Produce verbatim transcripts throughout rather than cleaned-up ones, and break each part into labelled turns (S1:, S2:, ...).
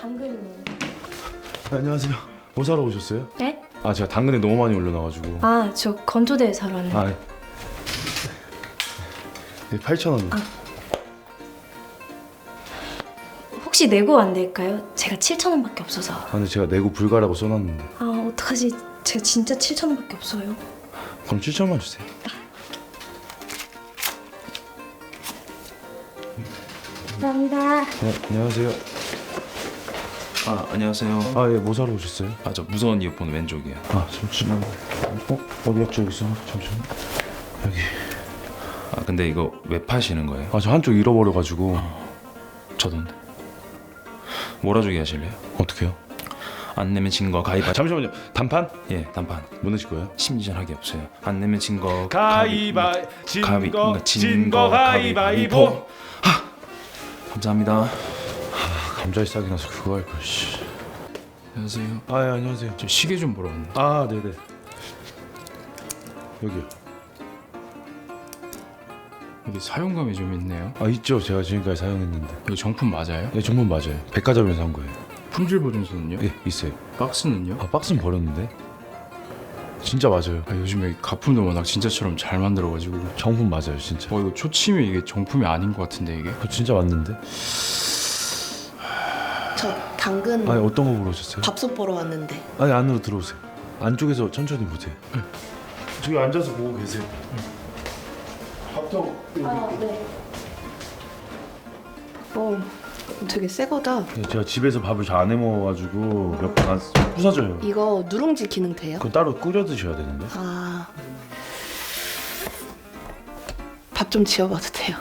S1: 당근.
S2: 네, 안녕하세요. 뭐 사러 오셨어요?
S1: 네?
S2: 아 제가 당근에 너무 많이 올려놔가지고.
S1: 아, 저 건조대 사러 왔는데.
S2: 아, 네, 팔천 원.
S1: 아. 혹시 내고 안 될까요? 제가 칠천 원밖에 없어서.
S2: 아, 근데 제가 내고 불가라고 써놨는데.
S1: 아, 어떡하지? 제가 진짜 칠천 원밖에 없어요.
S2: 그럼 칠천만 주세요.
S1: 감사합니다.
S2: 네, 안녕하세요.
S3: 아 안녕하세요.
S2: 아, 예, 뭐 사러 오셨어요?
S3: 아 저 무선 이어폰 왼쪽이요.
S2: 아, 잠시만. 어? 어디 약자 여기 있어? 잠시만. 여기.
S3: 아 근데 이거 왜 파시는 거예요?
S2: 아, 저 한쪽 잃어버려가지고.
S3: 저던데. 몰아주기 하실래요?
S2: 어떡해요?
S3: 안 내면 진 거 가위바.
S2: 아, 잠시만요. 단판?
S3: 예 단판.
S2: 뭐 넣으실 거예요?
S3: 심리전 하기 없어요. 안 내면 진 거
S2: 가위바
S3: 가위
S2: 진거
S3: 진거
S2: 진거 가위바위보.
S3: 감사합니다.
S2: 아, 감자이 싸게 나서 그거 할 걸. 씨.
S3: 안녕하세요.
S2: 아, 예, 안녕하세요.
S3: 저 시계 좀 보러 왔는데.
S2: 아, 네네. 여기요.
S3: 여기 사용감이 좀 있네요.
S2: 아, 있죠. 제가 지금까지 사용했는데.
S3: 이거 정품 맞아요?
S2: 예, 정말 맞아요. 백화점에서 산 거예요.
S3: 품질 보증서는요?
S2: 예, 있어요.
S3: 박스는요?
S2: 아, 박스는 버렸는데. 진짜 맞아요.
S3: 아, 요즘에 가품도 워낙 진짜처럼 잘 만들어가지고.
S2: 정품 맞아요, 진짜.
S3: 어 이거 초침이 이게 정품이 아닌 것 같은데 이게.
S2: 그거 진짜 맞는데.
S4: 저 당근
S2: 아니, 어떤 거 보러 오셨어요?
S4: 밥솥 보러 왔는데.
S2: 아니, 안으로 들어오세요. 안쪽에서 천천히 보세요. 저기 앉아서 보고 계세요. 밥통.
S1: 아, 네.
S4: 어, 되게 새 거다.
S2: 예, 제가 집에서 밥을 잘 안 해 먹어가지고 몇 번 안 부서져요.
S4: 이거 누룽지 기능 돼요?
S2: 그건 따로 끓여 드셔야 되는데.
S4: 아, 밥 좀 지어봐도 돼요?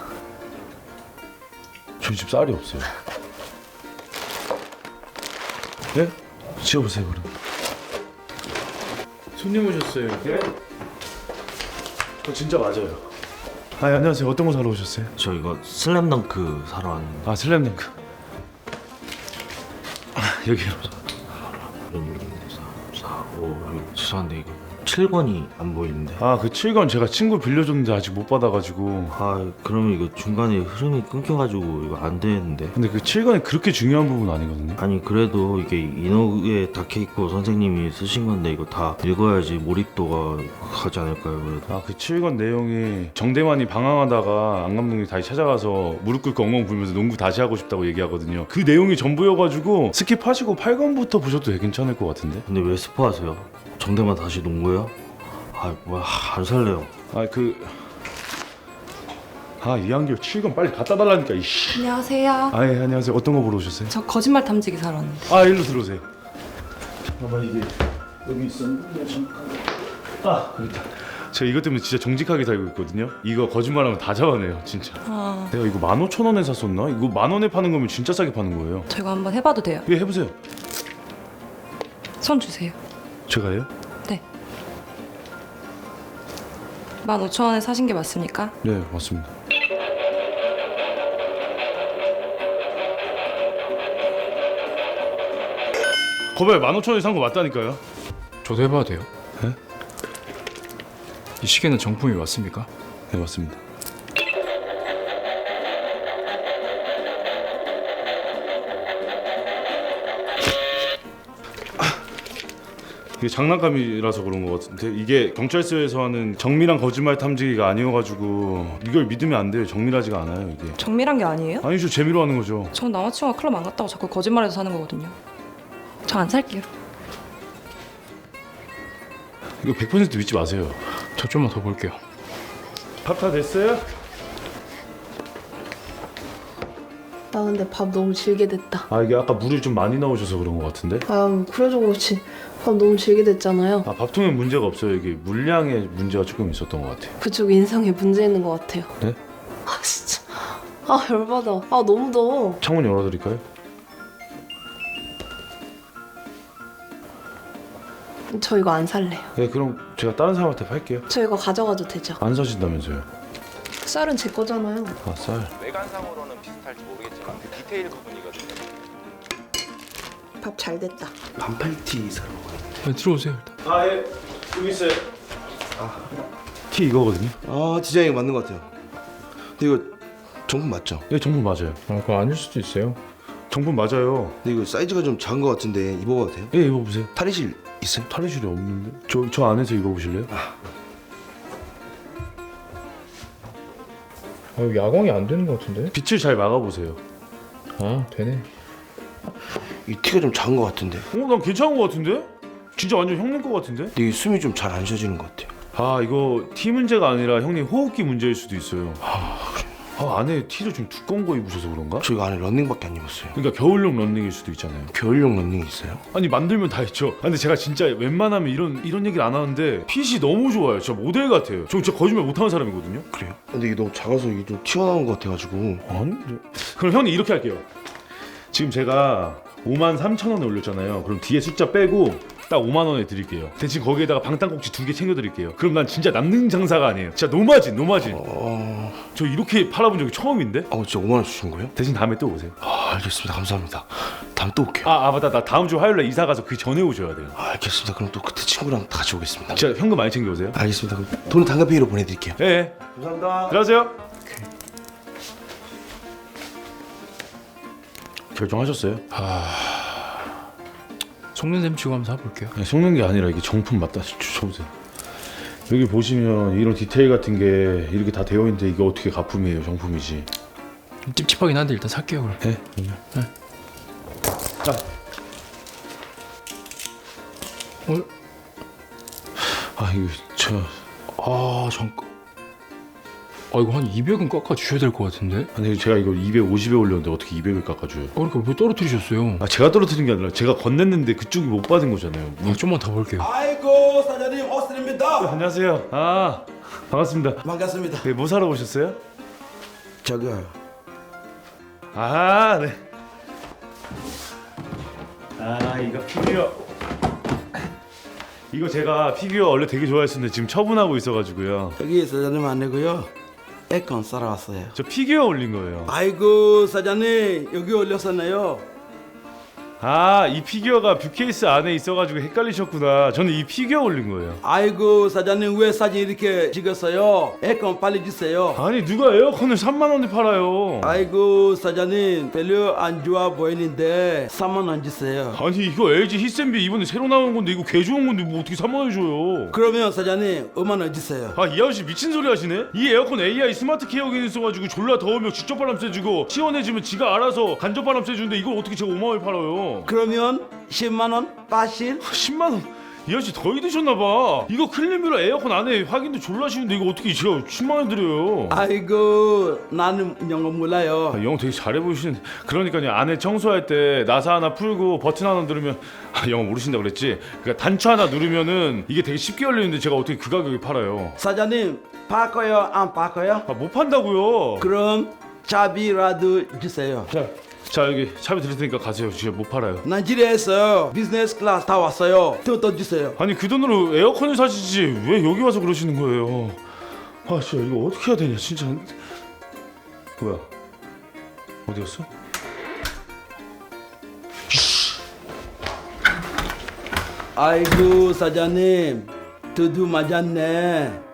S2: 저희 집 쌀이 없어요. 예? 지어보세요, 그럼. 손님 오셨어요. 예? 저 진짜 맞아요. 아, 예, 안녕하세요. 어떤 거 사러 오셨어요?
S5: 저 이거 슬램덩크 사러 왔는데.
S2: 아, 슬램덩크. 아, 여기요.
S5: 사, 오, 이거 죄송한데 이거 칠 권이 안 보이는데.
S2: 아, 그 칠 권 제가 친구 빌려줬는데 아직 못 받아가지고.
S5: 아, 그러면 이거 중간에 흐름이 끊겨가지고 이거 안 되는데.
S2: 근데 그 칠 권이 그렇게 중요한 부분 아니거든요.
S5: 아니 그래도 이게 이너에 닥쳐있고 선생님이 쓰신 건데 이거 다 읽어야지 몰입도가 가지 않을까요? 그래도.
S2: 아, 그 칠 권 내용이 정대만이 방황하다가 안 감독이 다시 찾아가서 무릎 꿇고 엉엉 불면서 농구 다시 하고 싶다고 얘기하거든요. 그 내용이 전부여가지고 스킵하시고 팔 권부터 보셔도 되게 괜찮을 것 같은데.
S5: 근데 왜 스포하세요? 정대만 다시 농구예요? 아, 뭐야, 안 살래요.
S2: 아, 그... 아, 이한결 칠 권 빨리 갖다 달라니까, 이씨.
S6: 안녕하세요.
S2: 아, 예, 안녕하세요. 어떤 거 보러 오셨어요?
S6: 저 거짓말 탐지기 사러 왔는데.
S2: 아, 일로 들어오세요. 잠깐만, 이게 여기 있었는데 잠깐. 아, 여기 있다. 제가 이것 때문에 진짜 정직하게 살고 있거든요. 이거 거짓말하면 다 잡아내요, 진짜.
S6: 아,
S2: 내가 이거 만 오천 원에 샀었나? 이거 만 원에 파는 거면 진짜 싸게 파는 거예요.
S6: 저 이거 한번 해봐도 돼요?
S2: 예, 해보세요.
S6: 손 주세요.
S2: 제가요?
S6: 네. 만 오천 원에 사신 게 맞습니까?
S2: 네, 맞습니다. 거봐요, 만 오천 원에 산 거 맞다니까요.
S3: 저도 해봐도 돼요?
S2: 네?
S3: 이 시계는 정품이 맞습니까?
S2: 네, 맞습니다. 이게 장난감이라서 그런 것 같은데 이게 경찰서에서 하는 정밀한 거짓말 탐지기가 아니어가지고 이걸 믿으면 안 돼요. 정밀하지가 않아요 이게.
S6: 정밀한 게 아니에요?
S2: 아니죠, 재미로 하는 거죠.
S6: 전 남자친구가 클럽 안 갔다고 자꾸 거짓말해서 사는 거거든요. 저 안 살게요.
S2: 이거 백 퍼센트 믿지 마세요.
S3: 저 좀만 더 볼게요.
S2: 밥 다 됐어요?
S4: 나 근데 밥 너무 질게 됐다.
S2: 아, 이게 아까 물을 좀 많이 넣으셔서 그런 것 같은데.
S4: 아, 그래도 그렇지. 밥 너무 질게 됐잖아요.
S2: 아, 밥통에 문제가 없어요. 이게 물량에 문제가 조금 있었던 것 같아요.
S4: 그쪽 인상에 문제 있는 것 같아요.
S2: 네?
S4: 아, 진짜. 아, 열받아. 아, 너무 더워.
S2: 창문 열어드릴까요?
S4: 저 이거 안 살래요.
S2: 네, 그럼 제가 다른 사람한테 팔게요.
S4: 저 이거 가져가도 되죠?
S2: 안 사신다면서요?
S4: 쌀은 제 거잖아요.
S2: 아, 쌀.
S7: 외관상으로는 비슷할지 모르겠지만 그 디테일 부분이거든요.
S4: 밥 잘 됐다.
S5: 반팔티 사러 왔는데.
S3: 네, 들어오세요 일단.
S2: 아, 예. 여기 있어요. 티 이거거든요.
S8: 아 디자인이 맞는 것 같아요. 근데 이거 정품 맞죠?
S2: 예, 정품 맞아요.
S3: 아 그거 아닐 수도 있어요.
S2: 정품 맞아요.
S8: 근데 이거 사이즈가 좀 작은 것 같은데 입어봐도 돼요?
S2: 예, 입어보세요.
S8: 탈의실 있어요?
S2: 탈의실이 없는데? 저, 저 안에서 입어보실래요?
S3: 아, 야광이 안 되는 것 같은데?
S2: 빛을 잘 막아보세요.
S3: 아, 되네.
S8: 이 티가 좀 작은 것 같은데.
S2: 어, 난 괜찮은 것 같은데? 진짜 완전 형님 것 같은데?
S8: 근데 이 숨이 좀 잘 안 쉬어지는 것 같아요.
S2: 아, 이거 티 문제가 아니라 형님 호흡기 문제일 수도 있어요. 아, 안에 티를 좀 두꺼운 거 입으셔서 그런가?
S8: 저 이거 안에 런닝밖에 안 입었어요.
S2: 그러니까 겨울용 런닝일 수도 있잖아요.
S8: 겨울용 런닝이 있어요?
S2: 아니 만들면 다 있죠. 아, 근데 제가 진짜 웬만하면 이런 이런 얘기를 안 하는데 핏이 너무 좋아요. 진짜 모델 같아요. 저 진짜 거짓말 못하는 사람이거든요.
S8: 그래요? 근데 이게 너무 작아서 이게 좀 튀어나온 것 같아가지고.
S2: 아닌데. 그럼 형님 이렇게 할게요. 지금 제가 오만 삼천 원에 올렸잖아요. 그럼 뒤에 숫자 빼고 딱 오만 원에 드릴게요. 대신 거기에다가 방탄꼭지 두 개 챙겨드릴게요. 그럼 난 진짜 남는 장사가 아니에요. 진짜 노마진 노마진.
S8: 어...
S2: 저 이렇게 팔아본 적이 처음인데?
S8: 어 진짜 오만 원 주신 거예요?
S2: 대신 다음에 또 오세요.
S8: 아 알겠습니다. 감사합니다. 다음 또 올게요.
S2: 아, 아 맞다. 나 다음 주 화요일에 이사 가서 그 전에 오셔야 돼요.
S8: 아, 알겠습니다. 그럼 또 그때 친구랑 같이 오겠습니다.
S2: 진짜 현금 많이 챙겨오세요.
S8: 알겠습니다. 그럼 돈은 당근페이로 보내드릴게요.
S2: 예. 네.
S8: 감사합니다.
S2: 들어가세요. 결정하셨어요?
S3: 속는 셈 치고 한번 사볼게요.
S2: 아니, 속는 게 아니라 이게 정품 맞다. 줘보세요. 여기 보시면 이런 디테일 같은 게 이렇게 다 되어 있는데 이게 어떻게 가품이에요? 정품이지.
S3: 찝찝하긴 한데 일단 살게요 그럼.
S2: 네?
S3: 네.
S2: 자.
S3: 어?
S2: 아 이거 저
S3: 아 잠깐. 아 이거 한 이백은 깎아 주셔야 될 것 같은데?
S2: 아니 제가 이거 이백오십에 올렸는데 어떻게 이백을 깎아줘요?
S3: 어, 그러니까 왜 떨어뜨리셨어요?
S2: 아 제가 떨어뜨린 게 아니라 제가 건넸는데 그쪽이 못 받은 거잖아요.
S3: 아, 좀만 더 볼게요.
S9: 아이고 사장님 오스트입니다.
S2: 안녕하세요. 아 반갑습니다.
S9: 반갑습니다.
S2: 네, 뭐 사러 오셨어요?
S9: 저거
S2: 아 네. 아 이거 피규어. 이거 제가 피규어 원래 되게 좋아했었는데 지금 처분하고 있어가지고요.
S9: 여기 사장님 안 내고요. 에콘 사러 왔어요.
S2: 저 피규어 올린 거예요.
S9: 아이고 사장님 여기 올렸었네요.
S2: 아 이 피규어가 뷰케이스 안에 있어가지고 헷갈리셨구나. 저는 이 피규어 올린 거예요.
S9: 아이고 사장님 왜 사진 이렇게 찍었어요? 에콘 빨리 주세요.
S2: 아니 누가 에어컨을 삼만 원에 팔아요?
S9: 아이고 사장님 별로 안 좋아 보이는데 삼만 원 주세요.
S2: 아니 이거 엘지 히센비 이번에 새로 나온 건데 이거 개 좋은 건데 뭐 어떻게 삼만 원 줘요?
S9: 그러면 사장님 오만 원 주세요.
S2: 아 이 아저씨 미친 소리 하시네? 이 에어컨 에이아이 스마트 케어 기능 있어가지고 졸라 더우면 직접 바람 쐬주고 시원해지면 지가 알아서 간접 바람 쐬주는데 이걸 어떻게 제가 오만 원에 팔아요?
S9: 그러면 십만 원 빠실?
S2: 십만 원? 이 아저씨 더위 드셨나봐. 이거 클린뷰라 에어컨 안에 확인도 졸라 쉬운데 이거 어떻게 제가 십만 원 드려요?
S9: 아이고 나는 영어 몰라요.
S2: 아, 영어 되게 잘해 보이시는데. 그러니까요 안에 청소할 때 나사 하나 풀고 버튼 하나 누르면 아, 영어 모르신다 그랬지? 그러니까 단추 하나 누르면은 이게 되게 쉽게 열리는데 제가 어떻게 그 가격에 팔아요?
S9: 사장님 바꿔요 안 바꿔요?
S2: 아 못 판다고요.
S9: 그럼 차비라도 주세요.
S2: 자, 자 여기 차비 드릴 테니까 가세요. 지금 못 팔아요.
S9: 나이지리아에서 비즈니스 클래스 다 왔어요. 돈 더 주세요.
S2: 아니 그 돈으로 에어컨을 사시지 왜 여기 와서 그러시는 거예요? 아 진짜 이거 어떻게 해야 되냐 진짜. 뭐야 어디 갔어?
S9: 아이고 사장님 두두 맞았네.